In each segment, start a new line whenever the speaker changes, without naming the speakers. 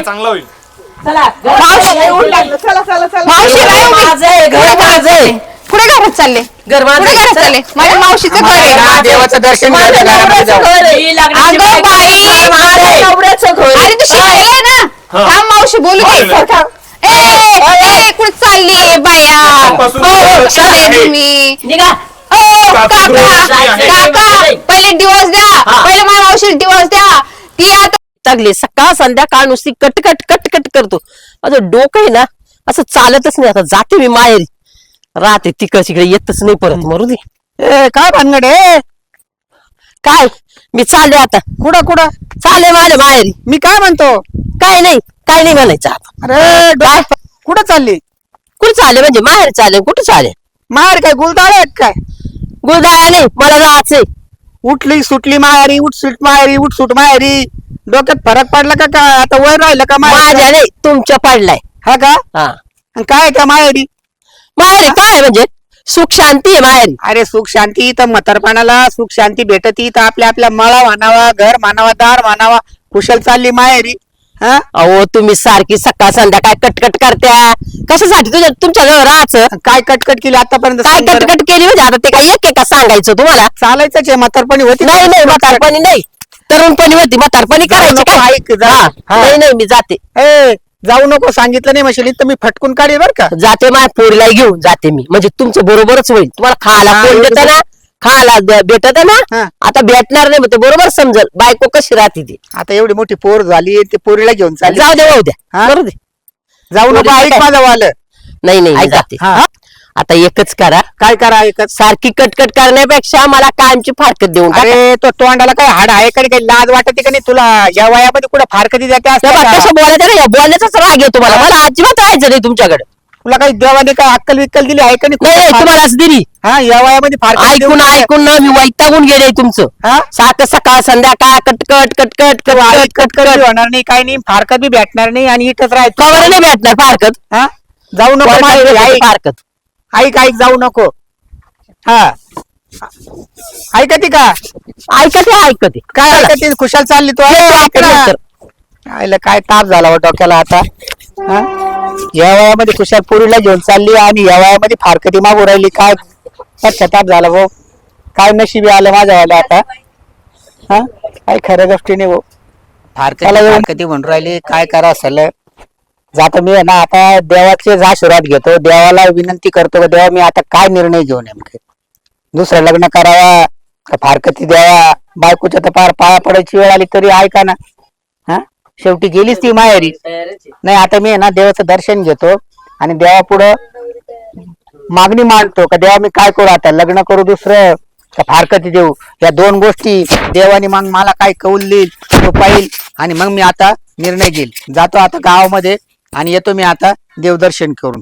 चांगला होईल.
चला
कुठे घरात चालले? घरात चालले? माझ्या मावशीचं घर आहे.
देवाचं दर्शन
अरे तू शिकायला ना. हा मावशी बोलू दे. कुठे चालली बाया? तुम्ही काका पहिले दिवस द्या. पहिले माझ्या मावशी दिवस द्या. ती आता
लागली सकाळ संध्याकाळ नुसती कटकट कटकट करतो. माझं डोकं आहे ना असं चालतच नाही. आता जाते मी माहेरी राहते तिकडे येतच नाही परत. मरू दे.
काय भानगड आहे?
काय मी चालले आता.
कुठं
चालले माझ्या माहेरी.
मी काय म्हणतो?
काय नाही म्हणायचं आता.
अरे कुठं चालली?
कुठे चालले म्हणजे माहेर चालले? कुठे चालले?
माहेर काय गुलदाळ आहेत काय?
गुरुदाया नाही मला जायचंय.
उठली सुटली माहेरी, उठ सुट माहेरी. डोक्यात फरक पडला का? काय आता वय राहिलं का
माझ्या नाही तुमच्या पडलाय.
हा का?
हा
आणि काय त्या माहेरी?
माहेरी काय म्हणजे सुख शांती आहे माहेरी.
अरे सुख शांती तर म्हातारपणाला सुख शांती भेटती तर आपल्या मळा मानावा, घर मानावा, दार मानावा. कुशल चालली माहेरी. हा
अहो तुम्ही सारखी सकाळ संध्याकाळ कटकट करत्या कशासाठी? तुमच्या जवळ राहायचं.
काय कटकट केली आतापर्यंत?
काय कटकट केली म्हणजे आता ते काय एक एका सांगायचं तुम्हाला?
चालायचंच आहे. म्हातारपणी होती?
नाही म्हातारपणी नाही, तरुणपणी होती. म्हातारपणी करायची काय?
ऐक जा.
नाही मी जाते.
जाऊ नको सांगितलं नाही मशीन तर मी फटकून काढेल बर का.
जाते माझ्या पोरीला घेऊन जाते मी. म्हणजे तुमचं बरोबरच होईल. तुम्हाला खायला कोण देत ना, खायला भेटत ना. आता भेटणार नाही मग बरोबर समजल बायको कशी राहते ती.
आता एवढी मोठी पोर झाली ते पोरीला घेऊन चालली.
जाऊ दे द्या करू दे.
जाऊ नको. ऐक माझं वालं.
नाही जाते. आता एकच करा.
काय करा? एकच.
सारखी कटकट करण्यापेक्षा मला कायमची फारकत देऊन टाका.
अरे तो तोंडाला काय हाड आहे का? काही लाज वाटते का नाही तुला? या वयामध्ये कुठे फारकती जाते असते का?
कसं बोलायचं नाही, बोलण्याचाच राग येतो मला अजिबात राहायचं नाही तुमच्याकडे.
तुला काही देवाने काय अक्कल विक्कल दिली आहे का
नाही? तुम्हालाच दिली.
हा या वयामध्ये
ऐकून ना मी वैतागून गेले तुमचं. सारखं सकाळ संध्याकाळ कटकट कटकट
कटकट होणार नाही, काही नाही. फारकत बी भेटणार नाही आणि इथंच राहायचं.
कवर नाही भेटणार फारकत.
हा जाऊ नको
फारकत.
ऐक जाऊ नको. हा ऐकते का?
ऐकते
काय ऐकते? खुशाल चालली तू. आईला काय ताप झाला हो डोक्याला आता. या वयामध्ये खुशाल पोरीला घेऊन चालली आणि या वयामध्ये फारकती मागू राहिली. काय ताप झाला भाऊ. काय नशिबी आलं माझ्या वाला आता. हा काय खऱ्या गोष्टी नाही भाऊ. फारकती म्हणून राहिली. काय करा असेल. जातो मी ना आता देवाचेच आशीर्वाद घेतो. देवाला विनंती करतो देवा मी आता काय निर्णय घेऊ नेमके. दुसरं लग्न करावा का फारकती द्यावा? बायकोच्या तर पार पाया पडायची वेळ आली तरी ऐका ना. हा शेवटी गेलीच ती माहेरी. नाही आता मी ना देवाचं दर्शन घेतो आणि देवापुढं मागणी मांडतो का देवा मी काय करू आता? लग्न करू दुसरं का फारकती देऊ? या दोन गोष्टी देवाने मग मला काय कौल देईल तो पाहिल आणि मग मी आता निर्णय घेईल. जातो आता गावामध्ये आणि येतो मी आता देवदर्शन करून.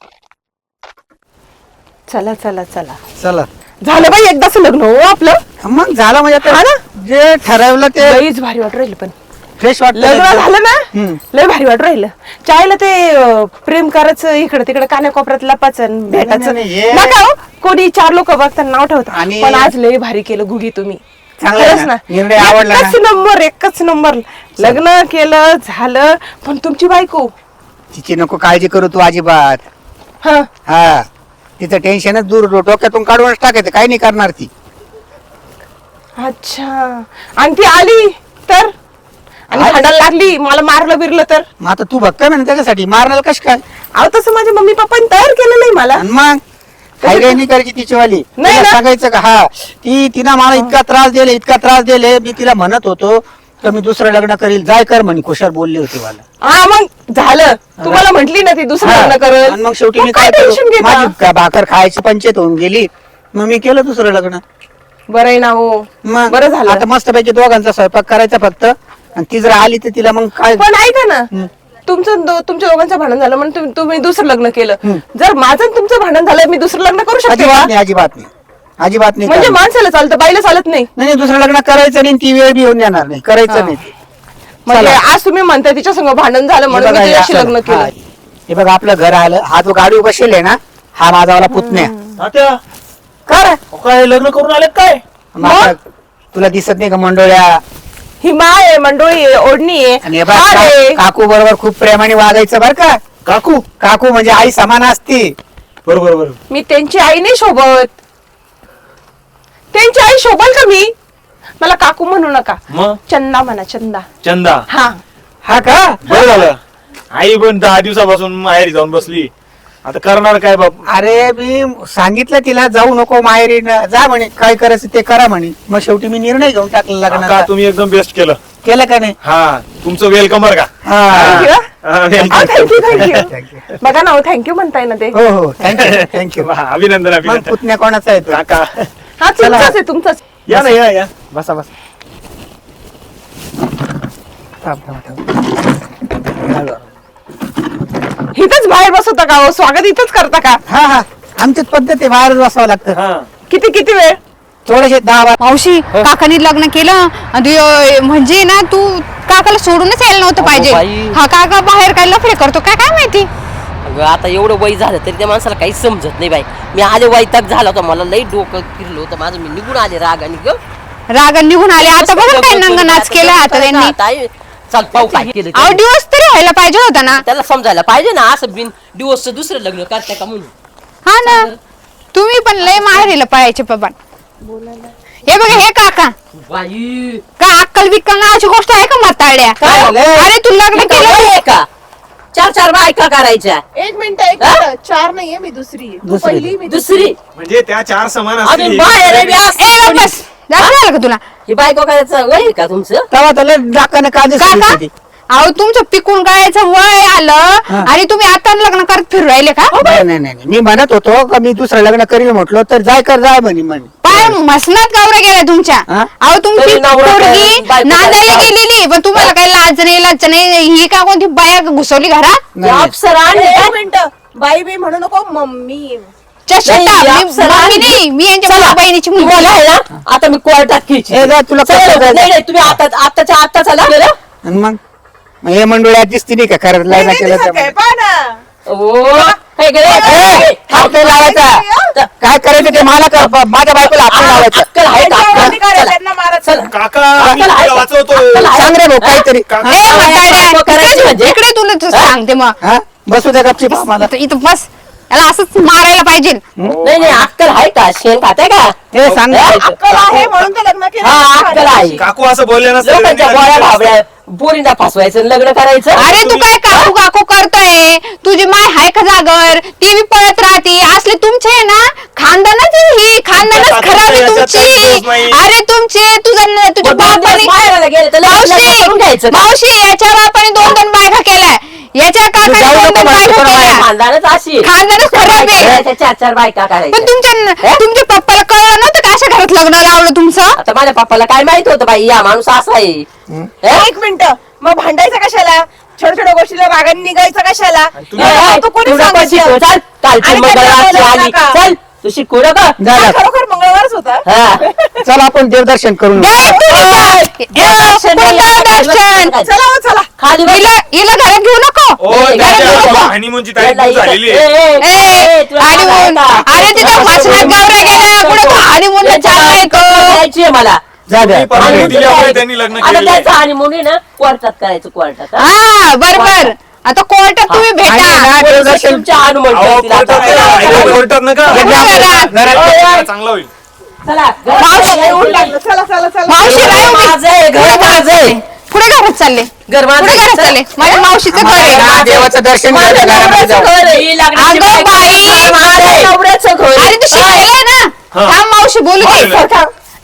चला
चला
झालं बाई एकदाच लग्न हो आपलं.
मग झालं म्हणजे आता जे ठरवलं ते
लईच भारी वाटू राहिलं. पण
फ्रेश वाटलं.
लग्न झालं ना लय भारी वाटू राहिलं. चायला ते प्रेम करायचं इकडे तिकडे कानाकोपऱ्यात लपाचं भेटायचं नका हो. कोणी चार लोक बघताना नाव ठेवतात. पण आज लय भारी केलं गुगी तुम्ही. खरंच ना. एकच नंबर लग्न केलं झालं. पण तुमची बायको
तिची नको काळजी करू तू अजिबात. हा तिचं टेन्शनच दूर डोक्यातून काढूनच टाकायचं. काही नाही करणार ती.
अच्छा. आणि ती आली तर आणि भांडायला लागली मला मारलं बिरलं तर?
मग आता तू बघ ना त्याच्यासाठी मारणार कश काय?
अहो तसं माझ्या मम्मी पप्पांनी तयार केलं नाही मला.
मग काही नाही करायची तिचीवाली.
नाही
सांगायचं का? हा तिनं मला इतका त्रास दिले मी तिला म्हणत होतो तर मी दुसरं लग्न करील. जाय कर म्हणे. खुशाल बोलली होती मला.
हा मग झालं. तुम्हाला म्हटली ना ती दुसरं लग्न करेल.
मग शेवटी मी काय माझी भाकर खायची पंचायत होऊन गेली. मग मी केलं दुसरं लग्न.
बरं आहे ना हो.
मग
बरं झालं.
आता मस्तपैकी दोघांचा स्वयंपाक करायचा फक्त. आणि ती जर आली तर तिला मग काय.
पण ऐका ना तुमच्या दोघांचं भांडण झालं म्हणून तुम्ही दुसरं लग्न केलं. जर माझं तुमचं भांडण झालं मी दुसरं लग्न करू शकते का?
अजिबात नाही.
म्हणजे माणसाला चालतं बाईला चालत नाही.
नाही दुसरं लग्न करायचं नाही. ती वेळ बी येऊन देणार नाही. करायचं नाही.
म्हणजे आज तुम्ही म्हणताय तिच्या संग भांडण झालं म्हणून मी तिच्याशी लग्न केलं.
हे बघ आपलं घर आलं. हा जो गाडी बसेल आहे ना हा माझावाला पुतण्या.
काय लग्न करून आले काय?
तुला दिसत नाही का मंडोळ्या?
ही माळ आहे, मंडोळी आहे, ओढणी
आणि
आहे,
हे बघ,
हार आहे.
काकू बरोबर खूप प्रेमाने वागायचं बर का.
काकू
काकू म्हणजे आई समान असते.
बरोबर बरोबर.
मी त्यांची आई नाही शोभत. त्यांची आई शोभल का मी? मला काकू म्हणू नका,
मग
चंदा म्हणा, चंदा.
चंदा
हा
हा का.
बरं झालं. आई पण 10 दिवसापासून माहेरी जाऊन बसली. आता करणार काय बाप.
अरे मी सांगितलं तिला जाऊ नको माहेरी जा म्हणे, काय करायचं ते करा म्हणे. मग शेवटी मी निर्णय घेऊन टाकला
काका
लग्नाचा.
तुम्ही एकदम बेस्ट केलं.
केलं का नाही.
हा तुमचं वेलकम बरं का.
हा.
Thank you.
हा, welcome.
Thank you thank you.
Thank you.
बघा ना, थँक्यू म्हणताय ना ते.
हो हो थँक्यू थँक्यू.
वा, अभिनंदन
मग
अभिनंदन
पुतण्या कोणाचा आहे तो.
काका.
हा तुमचाच आहे, तुमचाच.
या ना या बसा बसा.
थांब, थांब, थांब.
इथंच बाहेर बसवता का हो? स्वागत इथंच करता का?
हा हा आमचीच पद्धत आहे, बाहेरच बसावं लागतं.
हा
किती किती वेळ?
थोडेसे 10-12.
मावशी काकांनी लग्न केलं आणि म्हणजे ना तू काकाला सोडूनच यायला नव्हतं
अगो
पाहिजे.
बाई.
हा काका बाहेर काय लफडे करतो काय काय माहिती.
अगं आता एवढं वय झालं तरी त्या माणसाला काही समजत नाही बाई. मी आले वैताग झाला होता, मला लई डोकं फिरलं होतं माझं. मी निघून आले रागाने ग.
राग निघून आले आता बघा काय नंग नाच केला आता त्यांनी.
ताई, चल पाहू काय केलं
अहो
ते.
दिवस तरी व्हायला पाहिजे होता ना.
त्याला समजायला पाहिजे ना, असं बिन दिवसचं दुसरं लग्न करताय का म्हणून.
हा ना तुम्ही पण लय माहेरीला पळायचे बाबा. हे बघा हे काका
बाई
का अक्कल बिक्कल नावाची गोष्ट आहे का म्हातारड्या.
काय झालं?
अरे तू लग्न
केलं
केलं
आहे का? 4 बायका करायच्या.
एक मिनिट, एक मिनिट. 4 नाहीये, मी दुसरी आहे. तू पहिली, मी
दुसरी
म्हणजे त्या 4 समान
अजून
असतील.
बाहेर आहे बी
ए
असं.
बस जास्त झालं का तुला
ही बायको करायचं वय आहे का तुमचं?
तेव्हा त्याला डाकाने का
काका अहो तुमचं पिकून गायचं वय आलं आणि तुम्ही आता लग्न करत फिरू राहिले का.
नाही नाही नाही मी म्हणत होतो का मी दुसरं लग्न करील म्हटलं तर जाय कर जाय म्हणे.
पाय मसनात गावऱ्या गेल्या तुमच्या.
हा?
अहो तुमची
तरी नवरा
पोरगी
बायको
नांदायला
करायला.
गेलेली पण तुम्हाला काही लाज नाही लाज नाही. ही का कोणती बाया घुसवली घरात.
ती अप्सरा आणली
एक
का?
मिनिट. बाई बी म्हणू नको, मम्मी.
चष्टा
नाही,
मी
अप्सरा
मम्मी
आणली.
नाही मी यांच्या
चला,
भाऊ बहिणीची मुलगी.
तुम्हाला आहे ना आता मी कोर्टात खेळची.
ए, जा, तुला
चला,
कसं जायचं?
नाही तुम्ही आत्ता चला गेलं.
आणि मग हे मंडळात दिसती नाही का खरं लग्न केलं तर.
हे गेले.
हात नाही लावायचा. काय करायचं ते मला कर, माझ्या बायकोला हात नाही लावायचा.
अक्कल आहे का? चला.
काका
अक्कल आहे
तुला
का?
वाचवतो.
अक्कल आहे.
सांग रे भाऊ काहीतरी.
ए, म्हातारड्या,
बायको करायची म्हणजे?
इकडे तुला सांगते मग
हा बसू द्या गपची मला.
इथं बस याला असंच मारायला पाहिजे.
नाही अक्कल आहे का? शेण खाते का?
हे सांग ना.
अक्कल आहे म्हणून तर लग्न केलं.
हा अक्कल आहे.
काकू असं बोलले ना
लोकांच्या गोळ्या भाबड्या पोरींना फसवायचं आणि लग्न करायचं.
अरे तू काय काकू काकू करतोय. तुझी माय हाय का जागर ती बी पळत राहते. असले तुमचे आहे ना खानदानच ही खानदानच खराब आहे
याच्यात
तुमची.
काही दोष नाही.
अरे तुमचे तुझ्या तुझ्या
मग 2 दिवस माहेराला गेले तर लग्न करून घ्यायचं का?
मावशी याच्या बापाने 2 बायका केल्या. याच्या काकाने
जाऊ
2
नको
बायका
मावशी,
केल्या.
खानदानच अशी
खानदानच खराब आहे.
4 बायका
पण
करायच्या.
तुमच्या पप्पाला कळलं नव्हतं का अशा घरात लग्न लावलं तुमचं.
आता माझ्या पप्पाला काय माहित होतं बाई या माणूस असा आहे. हे?
एक मिनिट, मग भांडायचं कशाला? छोट्या छोट्या गोष्टीला रागाने निघायचं कशाला?
ए,
तू कोणी
तू नको शिकवू,
सांगितलं?
चल. कालची
आणि
मंगळवारची
त्याला
आली.
नका.
चल तू शिकू नका.
हा, खरोखर मंगळवारच होता.
हा.
चल आपण देवदर्शन करून येऊ.
ए, तू
ओय,
दर्शन
चला हो, चला.
खाली बस.
हिला घरात घेऊ नको.
ओ,
ए,
त्याच्या
घरात घेऊ.
हनीमूनची तारीख झालेली आहे.
ए, आणि अरे तिच्या वाचनात गावऱ्या गेल्या पुढे हनीमूनला चालला येतो.
मला
जा द्या.
तुम्ही परवानगी दिल्यामुळे त्यांनी लग्न
आता
केलेलं आहे.
त्याचं हनीमून आहे ना कोर्टात करायचं कोर्टात. हा?
हा बरोबर. आता कोर्टात तुम्ही
आणि
भेटा.
ना देवदर्शन
तुमच्या हनुमान
अहो,
करतील आता.
कोर्टात नका
घरात.
चांगला होईल.
चला
मावशी,
येऊन लागलं. चला चला चला.
मावशी
घर
राहू दे.
माझं आहे, घर माझं आहे.
पुढे घरात चालले.
घर माझं
पुढे
आहे.
घरात चालले. माझ्या मावशीचं घर आहे.
हा, देवाचं दर्शन
माझ्या
घ्यायला घरामध्ये
नवऱ्याचं
जाऊ.
घर आहे. ही लग्नाची
अगं
बायको
बाई.
आहे. माझ्या नवऱ्याचं घर आहे.
अरे तू शिकलेला ना.
हा.
थांब मावशी बोलू दे.
बोलू.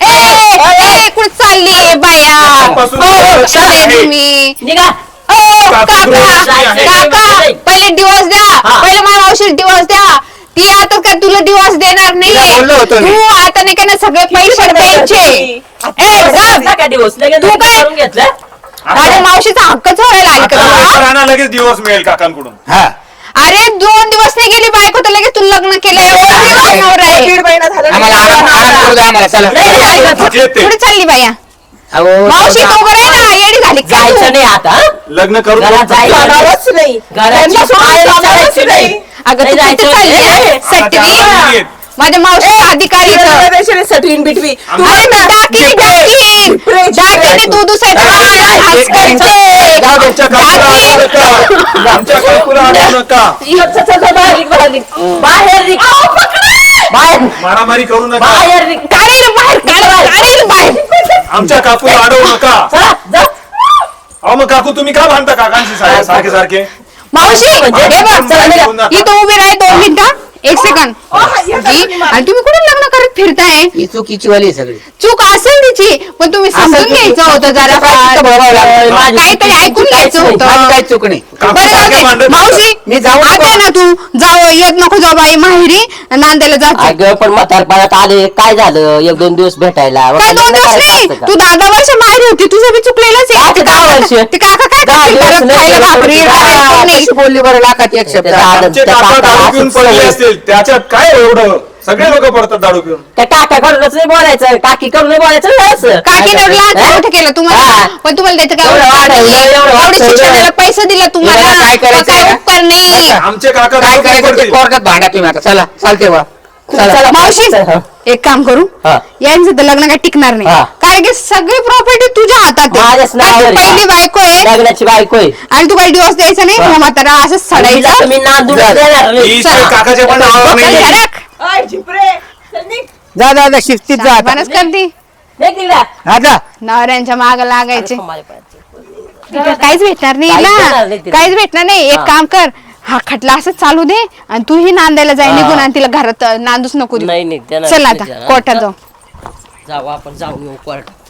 ए कुठे चालली बाया.
आजपासून
हो
सुरुवात
चालले
आहे.
तुम्ही.
निघा.
ओ काका
आहे.
काका पहिले डिवोर्स द्या.
हा.
पहिले माझ्या मावशीला डिवोर्स द्या. ती आता काय तुला डिवोर्स देणार
तिला बोललो होतो
नाही.
मी.
तू आता नाही का ना सगळे पैसे द्यायचे. ए गप.
नका दिवस लगेच
तू काय?
करून घेतलं.
माझ्या मावशीचा हक्कच व्हायला आली का तुला?
राणा लगेच दिवस मिळेल काकांकडून.
हा
अरे 2 दिवस नाही गेली बायको तर लगेच तू लग्न केलं. एवढा दिवस नवरा आहे.
1.5 महिना झाला.
आम्हाला आराम करू द्या आम्हाला. चला
नाही, नाही, नाही.
थकलेत ते.
कुठे चालली बाया.
अहो,
मावशी
जाऊ
तो आहे ना येडी झाली का तू?
जायचं नाही आता.
लग्न करून
घरात जायचं
जाणारच नाही.
घराची
त्यांना सोडून
पायरी
जाणारच
चालायची नाही.
नाही.
अगं
नाही
तू कुठे
जायचं.
चालली
ए,
आहे?
आता
सटवी.
त्या आवाजाने येत.
माझ्या मावशीचा अधिकार आहे
इन बिटवी
अरे मी दाखीने तू दुसऱ्याच्या मागं हात करते.
आमच्या काकूला अडवू नका. आमच्या काकूला अडवू नका. मारामारी करू नका. आमच्या काकूला अडवू नका. अहो मग काकू तुम्ही का भांडता काकांशी सारखे सारखे?
मावशी हे बघ इथं उभी राह 2 मिनिटं 1 सेकंड आणि तुम्ही कुठे लग्न करत फिरताय?
ही चुकीची वाली आहे सगळी.
चूक असेल तिची पण तुम्ही समजून घ्यायचं होतं जरा काहीतरी ऐकून घ्यायचं होतं.
काय चूक नाही.
काकू
बरं
सारखे
जाऊ दे.
भांडत
मावशी
मी जाऊ
आता ना तू जाऊ येत नको जाऊ बाई माहेरी नांदायला जाते.
अगं पण म्हातारपणात आले काय झालं 1-2 दिवस भेटायला
काय 2 दिवस नाही तू 10 वर्ष माहेरी होती तुझं बी चुकलेलंच आहे.
आता 10 वर्ष.
ते काका काय करतील
दिवस
घरात
नाही
खायला
गेलं
भाकरी
तरी
काय नाही.
कशी बोलली बरं लाखात एक शब्द.
आमचे काका दारू पिऊन पडले असतील त्याच्यात काय एवढं? सगळे लोक पडतात दारू पिऊन.
त्या काकाकडूनच नाही बोलायचं काकीकडून नाही बोलायचं ना असं.
काकीने लहान मोठं केलं तुम्हाला
हा.
पण तुम्हाला त्याचं काय
एवढं
उपकार
वाढवलं,
नाही.
एवढं
एवढं
वाढवलं.
शिक्षणाला पैसे दिला तुम्हाला
एवढं काय करायचं
काय
आहे?
उपकार नाही.
आमचे काका
काय
दारू पिऊन
करायचं ते
पडतील.
कोर्टात भांडा तुम्ही आता. चला चालते बा.
चला,
मावशी
हा.
एक काम करू
हा.
यांचं तर लग्न काही टिकणार नाही
हा.
कारण की सगळी प्रॉपर्टी तुझ्या हातात आहे.
माझ्याच नावावर
कारण
आहे.
तू पहिली बायको आहे
लग्नाची बायको आहे.
आणि तू काही दिवस द्यायचा नाही
हा.
म्हातारा असं
हिला
सडायचं
तुम्ही नांदून देणार नाही.
ही इथे काकाच्या पण नावावर नाही.
जा जा जा शिस्तीत जा आता.
बनच करती
नाही तिला.
हा जा.
नवऱ्यांच्या माग लागायचे
माझ्या पायात.
तिला काहीच भेटणार नाही
काहीच देणार
ना
नाही तिला.
काहीच भेटणार नाही. एक
हा.
काम कर हा खटला असंच चालू दे आणि तूही नांदायला जाय
हा.
निघून आणि तिला घरात नांदूच नको देऊ.
नाही, नाही, देणार
चल
नाही
आता
तिला.
कोर्टात जाऊ
जाऊ आपण जाऊन येऊ कोर्टात.